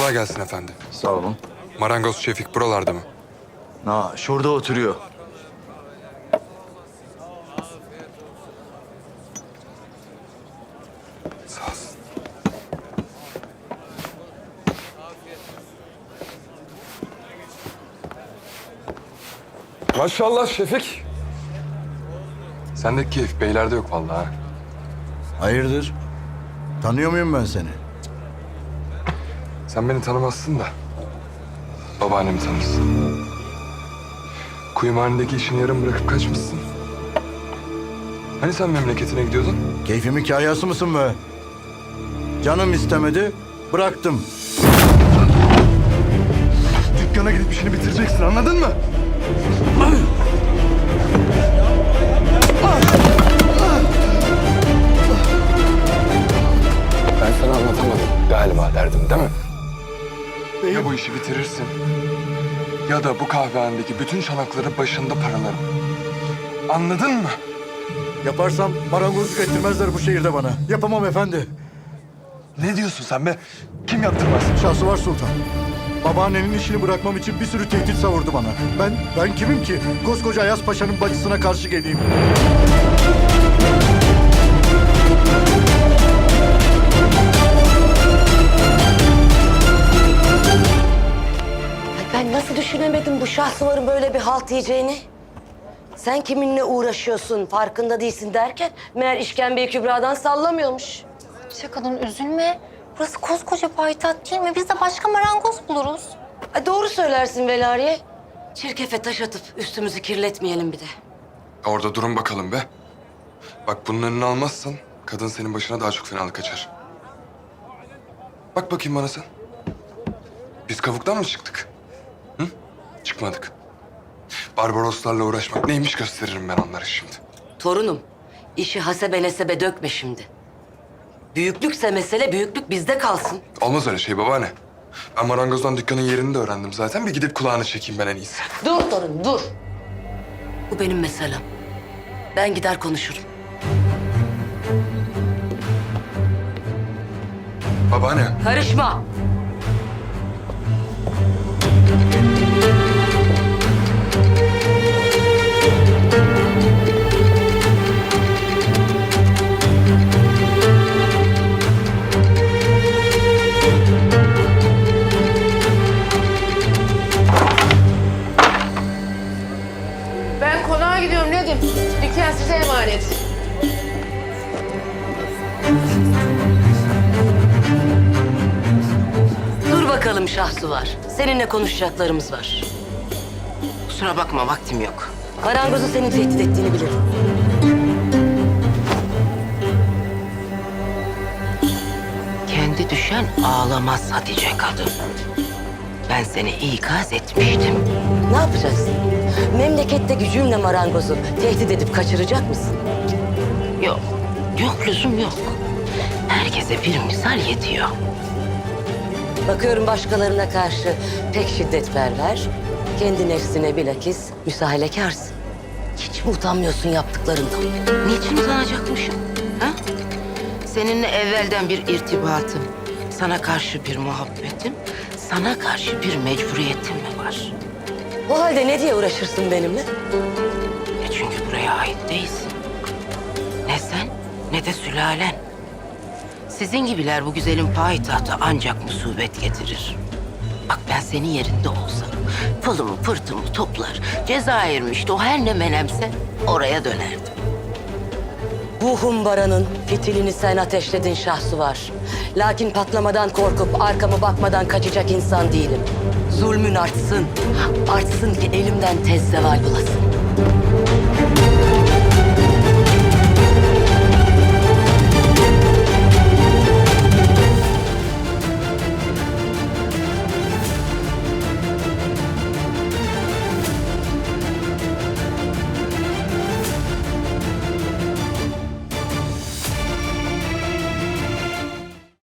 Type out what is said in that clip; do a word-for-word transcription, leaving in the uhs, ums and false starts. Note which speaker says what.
Speaker 1: Kolay gelsin efendim.
Speaker 2: Sağ olun.
Speaker 1: Marangoz Şefik buralarda mı?
Speaker 2: Ha, şurada oturuyor.
Speaker 1: Sağ olsun. Maşallah Şefik. Sendeki keyif beylerde yok vallahi. ha.
Speaker 3: Hayırdır? Tanıyor muyum ben seni?
Speaker 1: Sen beni tanımazsın da babaannemi tanırsın. Kuyumhanedeki işini yarım bırakıp kaçmışsın. Hani sen memleketine gidiyordun?
Speaker 3: Keyfimin kahyası mısın be? Canım istemedi, bıraktım.
Speaker 1: Dükkana gidip işini bitireceksin, anladın mı? Ben sana anlatamadım galiba derdim değil mi? Ya bu işi bitirirsin ya da bu kahvehanedeki bütün çanakları başında paralarım. Anladın mı?
Speaker 3: Yaparsam marangozluk ettirmezler bu şehirde bana. Yapamam efendi.
Speaker 1: Ne diyorsun sen be? Kim yaptırmaz?
Speaker 3: Şahsı var sultan. Babaannenin işini bırakmam için bir sürü tehdit savurdu bana. Ben, ben kimim ki? Koskoca Ayaz Paşa'nın bacısına karşı geleyim.
Speaker 4: Ben nasıl düşünemedim bu Şahsuvar'ın böyle bir halt yiyeceğini? Sen kiminle uğraşıyorsun, farkında değilsin derken meğer işkembeyi Kübra'dan sallamıyormuş.
Speaker 5: Ayşe kadın üzülme. Burası koskoca payitaht değil mi? Biz de başka marangoz buluruz.
Speaker 4: Ay doğru söylersin Velariye. Çirkefe taş atıp üstümüzü kirletmeyelim bir de.
Speaker 1: Orada durun bakalım be. Bak bunun önünü almazsan kadın senin başına daha çok fenalık açar. Bak bakayım bana sen. Biz kavuktan mı çıktık? Hı? Çıkmadık. Barbaroslarla uğraşmak neymiş gösteririm ben onlara şimdi.
Speaker 4: Torunum, işi hasebe nesebe dökme şimdi. Büyüklükse mesele, büyüklük bizde kalsın.
Speaker 1: Olmaz öyle şey babaanne. Ben marangozdan dükkanın yerini de öğrendim zaten. Bir gidip kulağını çekeyim ben en iyisi.
Speaker 4: Dur torun, dur. Bu benim meselem. Ben gider konuşurum.
Speaker 1: Babaanne.
Speaker 4: Karışma.
Speaker 6: Ben konağa gidiyorum Nedim. Dükkan size emanet.
Speaker 4: Dur bakalım Şahsuvar. Seninle konuşacaklarımız var.
Speaker 6: Kusura bakma vaktim yok.
Speaker 4: Marangozu senin tehdit ettiğini bilirim.
Speaker 7: Kendi düşen ağlamaz Hatice kadın. Ben seni ikaz etmiştim.
Speaker 4: Ne yapacaksın? Memlekette gücünle marangozu tehdit edip kaçıracak mısın?
Speaker 7: Yok, yok lüzum yok. Herkese bir misal yetiyor.
Speaker 4: Bakıyorum başkalarına karşı pek şiddetperver, kendi nefsine bilakis müsahalekarsın. Hiç mi utanmıyorsun yaptıklarından?
Speaker 7: Niçin utanacakmışım? Ha? Seninle evvelden bir irtibatım, sana karşı bir muhabbetim, sana karşı bir mecburiyetim mi var?
Speaker 4: O halde ne diye uğraşırsın benimle?
Speaker 7: E çünkü buraya ait değilsin. Ne sen ne de sülalen. Sizin gibiler bu güzelim payitahta ancak musibet getirir. Bak ben senin yerinde olsam pılımı pırtımı toplar, Cezayir'miş o her ne menemse oraya dönerdim.
Speaker 4: Bu humbaranın fitilini sen ateşledin Şahsuvar. Lakin patlamadan korkup arkamı bakmadan kaçacak insan değilim. Zulmün artsın, artsın ki elimden tez zeval bulasın.